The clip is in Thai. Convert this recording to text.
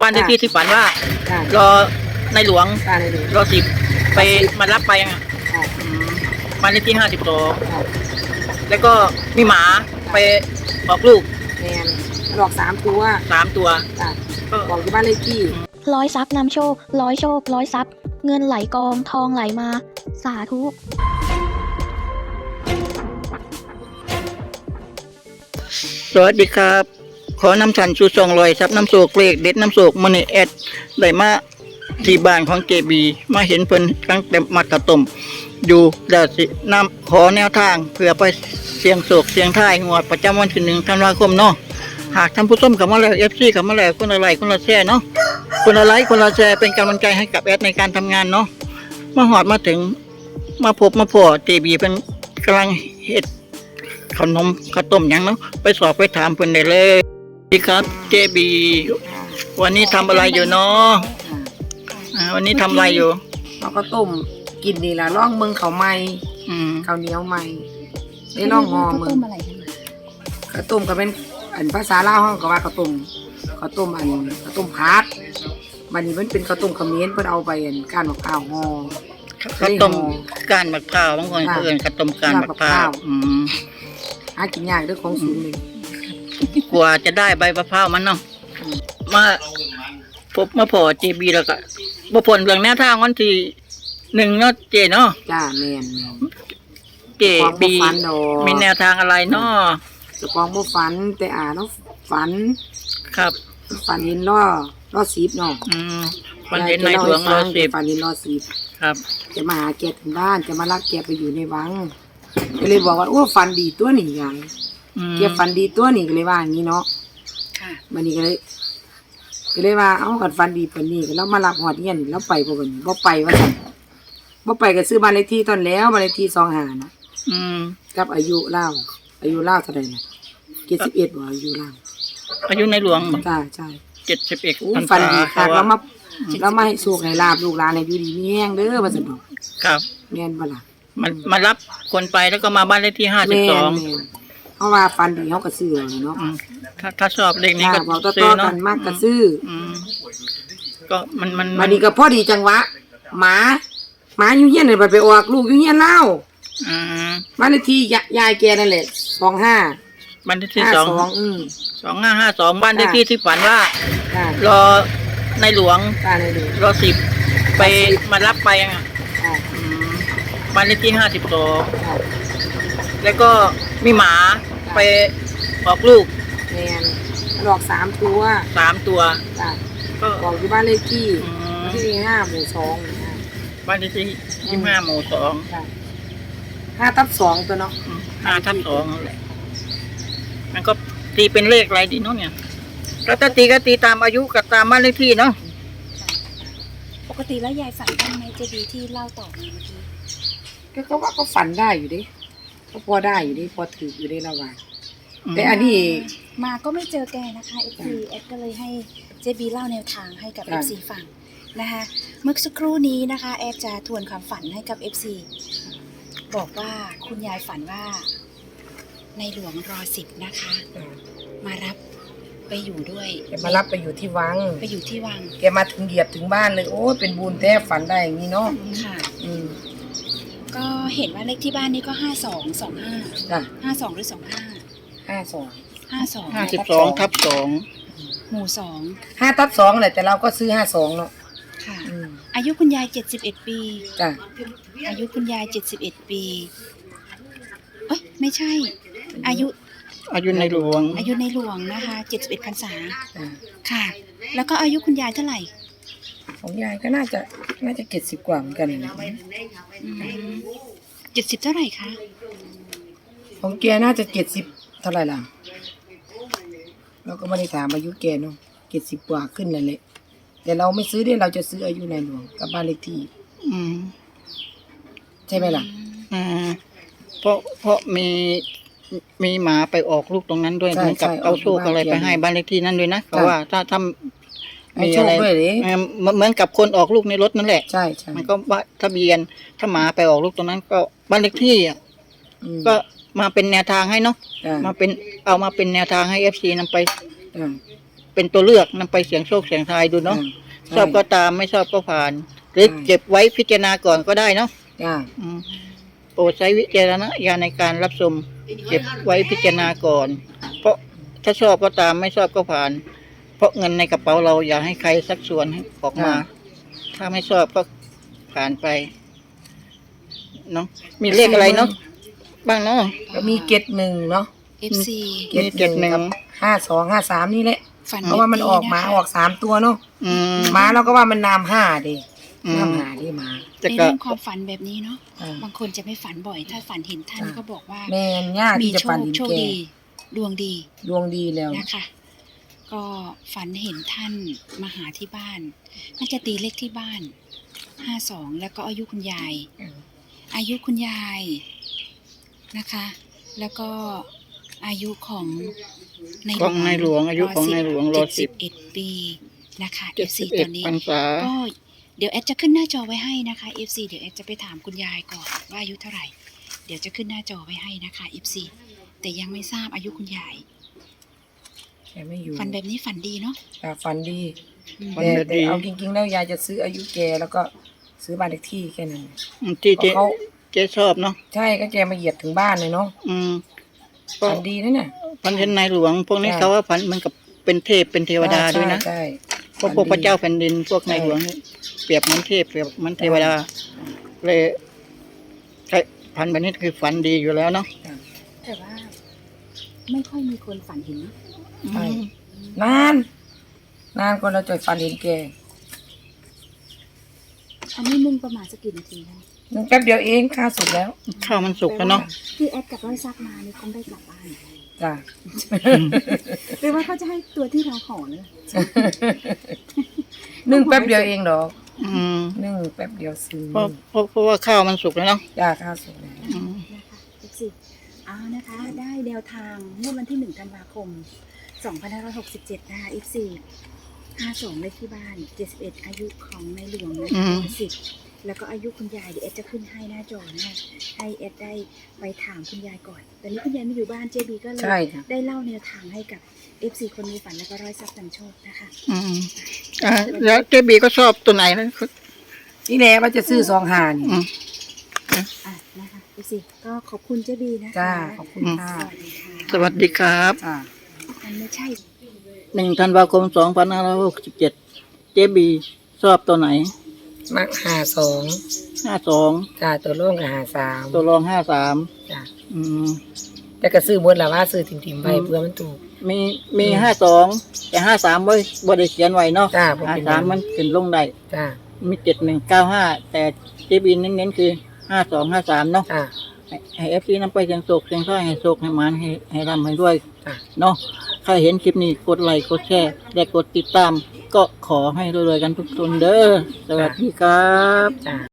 บ้านเลขที่ฝันว่าค่ะรอในหลวงบ้านในหลวงรอ10ไปมารับไปอ่ะค่ะบ้านเลขที่52 ค่ะแล้วก็มีหมาไปออกลูกแมนหลอก3 ตัว 3 ตัวค่ะก็บอกที่บ้านเลขที่ร้อยทรัพย์นำโชคร้อยโชคร้อยทรัพย์เงินไหลกองทองไหลมา สาธุสวัสดีครับ ขอนำชันชู200ครับน้ำโศกเลขเด็ดน้ำโศกมันนี่แอดได้มาที่บ้านของเจบีมาเห็นเพิ่นตั้งแต่มักกะต้มอยู่เดี๋ยวสินำขอแนวทางเพื่อไปเสียงโศกเสียงท้ายงวดประจำวันที่1 ธันวาคมเนาะหากท่านผู้ชมกับมาแล้ว FC กับมาแล้วคนละไลค์คนละแชร์เนาะคนละไลค์คนละแชร์เป็นกำลังใจให้กับแอดในการทำงานเนาะมาหอดมาถึงมาพบมาพอเจบีเป็นกำลังเฮ็ดขนมข้าวต้มหยังเนาะไปสอบไปถามเพิ่นได้เลยสวัสดีครับเจบีวันนี้ทำอะไรอยู่เนาะวันนี้ทำอะไรอยู่เราก็ต้มกินนี่ล่ะล่องเมืองเขาใหม่ ข้าวเหนียวใหม่ได้ล่องหอมึงข้าวต้มก็เป็นอันภาษาลาวเขาก็ว่าข้าวต้มข้าวต้มข้าวต้มพัดมันนี่มันเป็นข้าวต้มเขมิ้นเพิ่นเอาไปอันก้านมะพร้าวห่อข้าวต้มก้านมะพร้าวบางคนเอิ้นข้าวต้มก้านมะพร้าวหากินยากเด้อของสูงนี่กว่าจะได้ใบมะพร้าวมันเนาะมาพบมาพอเจบีแล้วก็บ่พ้นเรื่องแนวทางวันที่1เนาะเจเนาะจ้าแม่นเจบีมีแนวทางอะไรเนาะเจ้าของบ่ฝันแต่เนาะฝันครับฝันเห็นล้อ10เนาะวันเห็นในหลวงรอ10 ฝันเห็นล้อ10 ครับจะมาหาแกถึงบ้านจะมารับแกไปอยู่ในวังก็เลยบอกว่าโอ้ฝันดีตัวนี่ยายแกฝันดีตัวนี่ก็เลยว่าอย่างนี้เนาะค่ะมันนี่ก็เลยว่าเอากันฝันดีปานนี้ก็แล้วมารับฮอดเฮียนแล้วไปบ่บัดนี้บ่ไปว่าซั่นบ่ไปก็ซื้อบ้านเลขที่ตอนแล้วบ้านเลขที่25นะกับอายุเล่าเท่าใดน่ะ71บ่อายุเล่าอายุในหลวงบ่จ้าใช่ 71 ฝันดีค่ะแล้วมาให้โชคให้ลาบลูกหลานให้อยู่ดีมีแฮงเด้อว่าซั่นดอกครับแม่นบ่ล่ะมารับคนไปแล้วก็มาบ้านเลขที่แม่น 52 เพราะว่าฝันดีเฮาก็ซื้อเอาเนาะถ้าชอบเลขนี้ก็บอกต่ซื้ออๆเนาะกันมากก็ซื้อก็มันมาดีก็พอดีจังหวะหมาอยู่เฮียนเลยไปออกลูกอยู่เฮียนเล่าบ้านเลขที่ยายแกนั่นแหละ25 บ้านเลขที่ 52 2552บ้านเลขที่ที่ฝันว่าค่ะรอในหลวงป้าในดูรอ10ไปมารับไปอ่ะค่ะบ้านเลขที่ค่ะ 52แล้วก็มีหมาไปออกลูกแม่นหลอก3 ตัว 3 ตัวจ้ะก็บอกอยู่บ้านเลขที่ที่5หมู่2นะบ้านเลขที่25หมู่2 ค่ะ5/2ตัวเนาะ 5/2นั่นแหละมันก็ตีเป็นเลขอะไรดีเนาะเนี่ยแล้วถ้าตีก็ตีตามอายุกับตามบ้านเลขที่เนาะปกติแล้วยายฝันบ้างไหมเจดีที่เล่าต่อมาเมื่อกี้ก็ว่าก็ฝันได้อยู่ดิก็พอได้อยู่ดิพอถืออยู่ดิระหว่างแต่อันนี้มาก็ไม่เจอแกนะคะ FC เอ็ดก็เลยให้เจบีเล่าแนวทางให้กับ FC ฟังนะคะเมื่อสักครู่นี้นะคะแอดจะทวนความฝันให้กับ FC บอกว่าคุณยายฝันว่าในหลวงรอ10นะคะ มารับไปอยู่ด้วยแกมารับไปอยู่ที่วังไปอยู่ที่วังแกมาถึงเหยียบถึงบ้านเลยโอ้เป็นบุญแท้ฝันได้อย่างนี้เนาะค่ะ ก็เห็นว่าเลขที่บ้านนี่ก็5225 จ้ะ 52หรือ25 52 52/2 หมู่2 5/2แหละแต่เราก็ซื้อ52เนาะค่ะอายุคุณยาย71 ปีจ้ะอายุคุณยาย71 ปีเอ้ยไม่ใช่ อายุในหลวงอายุในหลวงนะคะ71 พรรษาจ้ะค่ะ แล้วก็อายุคุณยายเท่าไหร่ของยายก็น่าจะ70 กว่าเหมือนกันนะ 70 เท่าไหร่คะของแกน่าจะ70เท่าไหร่ล่ะเราก็ไม่ได้ถามอายุแกเนาะ70 กว่าขึ้นนั่นแหละแต่เราไม่ซื้อเราจะซื้ออายุในหลวงกับบ้านเลขที่ใช่ไหมล่ะเพราะมีหมาไปออกลูกตรงนั้นด้วยเหมือนกับเอาโชคอะไรไปให้บ้านเลขที่นั่นด้วยนะเพราะว่าถ้ามีอะไรเหมือนกับคนออกลูกในรถนั่นแหละใช่มันก็ทะเบียนถ้าหมาไปออกลูกตรงนั้นก็บ้านเลขที่ก็มาเป็นแนวทางให้เนาะเอามาเป็นแนวทางให้ FC นำไปเป็นตัวเลือกนำไปเสี่ยงโชคเสี่ยงทายดูเนาะ ชอบก็ตามไม่ชอบก็ผ่าน หรือเก็บไว้พิจารณาก่อนก็ได้เนาะจ้าโปรดใช้วิจารณญาณในการรับชมเก็บไว้พิจารณาก่อน เพราะถ้าชอบก็ตามไม่ชอบก็ผ่าน เพราะเงินในกระเป๋าเราอย่าให้ใครสักส่วนให้ออกมา ถ้าไม่ชอบก็ผ่านไปเนาะมีเลขอะไรเนาะบ้างเนาะก็มีเกตหนึ่งเนาะ FC เกตหนึ่งกับ5253นี่แหละฝันเพราะว่ามันออกหมาออก3ตัวเนาะอืมหมาเราก็ว่ามันนาม5ดิอืมนาม5ดิหมาจะในก็เรื่องความฝันแบบนี้เนาะอ่าบางคนจะไม่ฝันบ่อย ถ้าฝันเห็นท่านก็บอกว่าแม่นยากมีที่จะโชฝันคเห็นโชคแกดี ดวงดีดวงดีแล้วนะคะ ก็ฝันเห็นท่านมาหาที่บ้านน่าจะตีเลขที่บ้าน52แล้วก็อายุคุณยาย อายุคุณยายนะคะ แล้วก็อายุของในของในหลวงอายุของในหลวงรอสิบ 71 ปีนะคะ FC ต 71 อนนี้พรรษาก็เดี๋ยวแอดจะขึ้นหน้าจอไว้ให้นะคะ FC เดี๋ยวแอดจะไปถามคุณยายก่อนว่าอายุเท่าไหร่ เดี๋ยวจะขึ้นหน้าจอไว้ให้นะคะ FC แต่ยังไม่ทราบอายุคุณยายแกไม่อยู่ฝันแบบนี้ฝันดีเนาะอ่าฝันดีอืมฝันแต่เอาจริงๆแล้วยายจะซื้ออายุแกแล้วก็ซื้อบ้านเลขที่แค่นั้นที่เพราะเขาเจ๊ชอบเนาะใช่ก็แกมาเหยียดถึงบ้านเลยเนาะอืมก็ฝันดีนะเนี่ยพันเห็นในหลวง พวกนี้ใช่เขาว่าพันมันกับเป็นเทพเป็นเทวดาด้วยนะใช่พวกพระเจ้าแผ่นดินพวกในหลวงนี่เปรียบเหมือนเทพเปรียบเหมือนเทวดา เลยใช่พันแบบนี้คือฝันดีอยู่แล้วเนาะแต่ว่าไม่ค่อยมีคนฝันเห็นเนอะใช่นานก็เราจะฝันเห็นแกอันนี้นึ่งประมาณสักกี่นาทีคะนึงแป๊บเดียวเองค่าสุดแล้วข้าวมันสุกแล้วเนาะที่แอดกับร้อยซักมานี่คงได้กลับบ้านจ้ะหรือว่าเขาจะให้ตัวที่เราขอเนี่ยนึ่งแป๊บเดียวเองดอกอืมนึ่งแป๊บเดียวซื้อเพราะว่าข้าวมันสุกแล้วเนาะจ้าค่าสุดแล้วอืมนะคะ14เอานะคะ ได้แนวทางเมื่อวันที่1ธันวาคม2567นะคะ F4 52เลขที่บ้าน71อายุของในหลวงนะคะ10แล้วก็อายุคุณยายเดี๋ยวเอดจะขึ้นให้หน้าจอนะคะให้เอดได้ไปถามคุณยายก่อนตอนนี้คุณยายไม่อยู่บ้านเจบีก็เลยใช่จ้ะได้เล่าแนวทางให้กับ F4 คนมีฝันแล้วก็ร้อยทรัพย์นำโชคนะคะอืมแล้วเจ๊บีก็ชอบตัวไหนนะนี่แหละว่าจะซื้อ2 5นี่อืมอ่ะนะคะ F4 ก็ขอบคุณเจบีนะคะจ้าขอบคุณค่ะสวัสดีค่ะสวัสดีครับจ้ามันไม่ใช่ 1 ธันวาคม 2567เจ๊บีชอบตัวไหนมัก 52 จ้าตัวร่วงกับตัวรอง53 จ้าอืมแต่ก็ซื้อหมดแล้วว่าซื้อถิ่มๆไปเพื่อมันถูกมี52แต่53บ่ได้เขียนไว้เนาะจ้าบ่เป็นไร 53มันขึ้นลงได้จ้ามี7195แต่เจ๊บีเน้นๆคือ5253เนาะจ้าให้FC นำไปเสียงโศกเสียงท้ายให้โศกให้หมานให้ร่ำให้ด้วยจ้าเนาะใครเห็นคลิปนี้กดไลค์กดแชร์และกดติดตาม ก็ขอให้รวยๆกันทุกคนเด้อสวัสดีครับจ้า